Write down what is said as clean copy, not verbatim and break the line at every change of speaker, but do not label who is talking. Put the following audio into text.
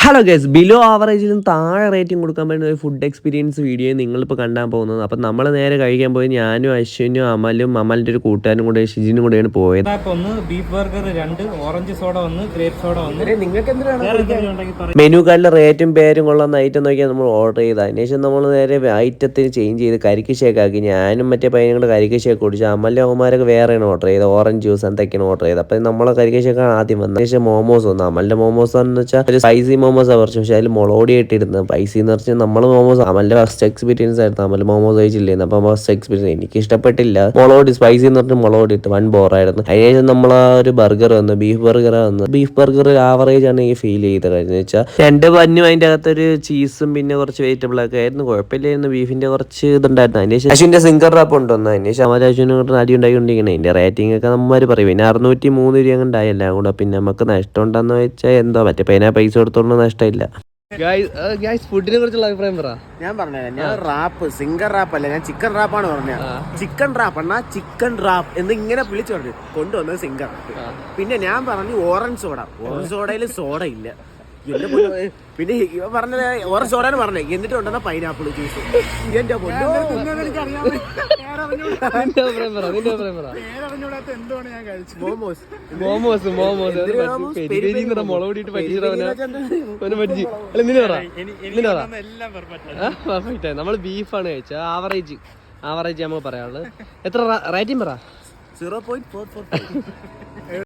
Hello guys, below ആവറേജിലും താഴെ rating കൊടുക്കാൻ പറ്റുന്ന ഒരു ഫുഡ് എക്സ്പീരിയൻസ് വീഡിയോ നിങ്ങളിപ്പോൾ കാണാൻ പോകുന്നത്. അപ്പം നമ്മൾ നേരെ കഴിക്കാൻ പോയി ഞാനും അശ്വിനും അമലും അമലിൻ്റെ ഒരു കൂട്ടുകാരും കൂടെ ഷിജിനും കൂടെയാണ് പോയത്.
Beef burger 2, orange soda 1, grape soda 1.
Menu കാർഡിലെ റേറ്റും പേരും കൊള്ളുന്ന ഐറ്റം നോക്കിയാൽ നമ്മൾ ഓർഡർ ചെയ്ത് അതിനുശേഷം നമ്മൾ നേരെ ഐറ്റത്തിന് ചേഞ്ച് ചെയ്ത് കരിക്ക് ഷേക്ക് ആക്കി. ഞാനും മറ്റേ പയ്യനും കൂടെ കരിക്ക് ഷേക്ക് കുടിച്ചു. അമലിൻ്റെ അവന്മാരൊക്കെ വേറെയാണ് ഓർഡർ ചെയ്തത്, ഓറഞ്ച് ജ്യൂസ് എന്തൊക്കെയാണ് ഓർഡർ ചെയ്തത്. അപ്പം നമ്മളെ കരിക്ക് ഷേക്കാണ് ആദ്യം വന്നത്. ശേഷം മോമോസ് വന്നു. അമലിൻ്റെ മോമോസ് എന്ന് വെച്ചാൽ ഒരു സ്പൈസി മോമോസാണ് കുറച്ച്, പക്ഷേ അതിൽ മുളകോടി ഇട്ടിരുന്നത്. പൈസ എന്ന് വെച്ചാൽ നമ്മൾ മോമോസ് അമലിന്റെ ഫസ്റ്റ് എക്സ്പീരിയൻസ് ആയിരുന്നു. അമൽ മോമോസ് കഴിച്ചില്ലായിരുന്നു. അപ്പം ഫസ്റ്റ് എക്സ്പീരിയൻസ് എനിക്ക് ഇഷ്ടപ്പെട്ടില്ല. മുളകോടി സ്പൈസി എന്ന് പറഞ്ഞാൽ മുളകോടി ഇട്ട് 1 ബോറായിരുന്നു. അതിനുശേഷം നമ്മൾ ആ ഒരു ബർഗർ വന്നു, ബീഫ് ബർഗർ വന്നു. ബീഫ് ബർഗർ ആവറേജ് ആണ് എനിക്ക് ഫീൽ ചെയ്തത്. എന്ന് വെച്ചാൽ 2 ബന്നും അതിൻ്റെ അകത്തൊരു ചീസും പിന്നെ കുറച്ച് വെജിറ്റബിൾ ഒക്കെ ആയിരുന്നു. കുഴപ്പമില്ലായിരുന്നു. ബീഫിന്റെ കുറച്ച് ഇതുണ്ടായിരുന്നു. അതിന് ശേഷം അശ്വിന്റെ സിംഗർ റാപ്പ് ഉണ്ടെന്ന്. അതിന് ശേഷം അമൽ അശ്വിനും അടി ഉണ്ടായിക്കൊണ്ടിരിക്കണം. അതിന്റെ റേറ്റിംഗ് ഒക്കെ നമ്മൾ പറയും. പിന്നെ 603 രൂപ ഉണ്ടായി എല്ലാം കൂടെ. പിന്നെ നമുക്ക് നഷ്ടം ഉണ്ടെന്ന് വെച്ചാൽ എന്തോ മറ്റേ പൈസ കൊടുത്തോണ്ട് നഷ്ടമില്ല. ഫുഡിനെ കുറിച്ചുള്ള അഭിപ്രായം പറ.
ഞാൻ പറഞ്ഞത് ഞാൻ റാപ്പ് സിംഗർ റാപ്പ് അല്ല, ഞാൻ ചിക്കൻ റാപ്പാണ് പറഞ്ഞത്. ചിക്കൻ റാപ്പ് എന്നാ ചിക്കൻ റാപ്പ് എന്ന് ഇങ്ങനെ വിളിച്ചു പറഞ്ഞു കൊണ്ടുവന്നത് സിംഗർ. പിന്നെ ഞാൻ പറഞ്ഞു ഓറഞ്ച് സോഡ. ഓറഞ്ച് സോഡയിൽ സോഡ ഇല്ല. പിന്നെ ഇവ പറഞ്ഞത് ഓറഞ്ച് സോഡ എന്ന് പറഞ്ഞേ, എന്നിട്ട് കൊണ്ടുവന്ന പൈനാപ്പിൾ ജ്യൂസ്. എന്റെ
നമ്മള് ബീഫാണ് കഴിച്ചത്. ആവറേജ് നമുക്ക് പറയാനുള്ളത്. എത്ര റേറ്റിംഗ് പറ?
0.44.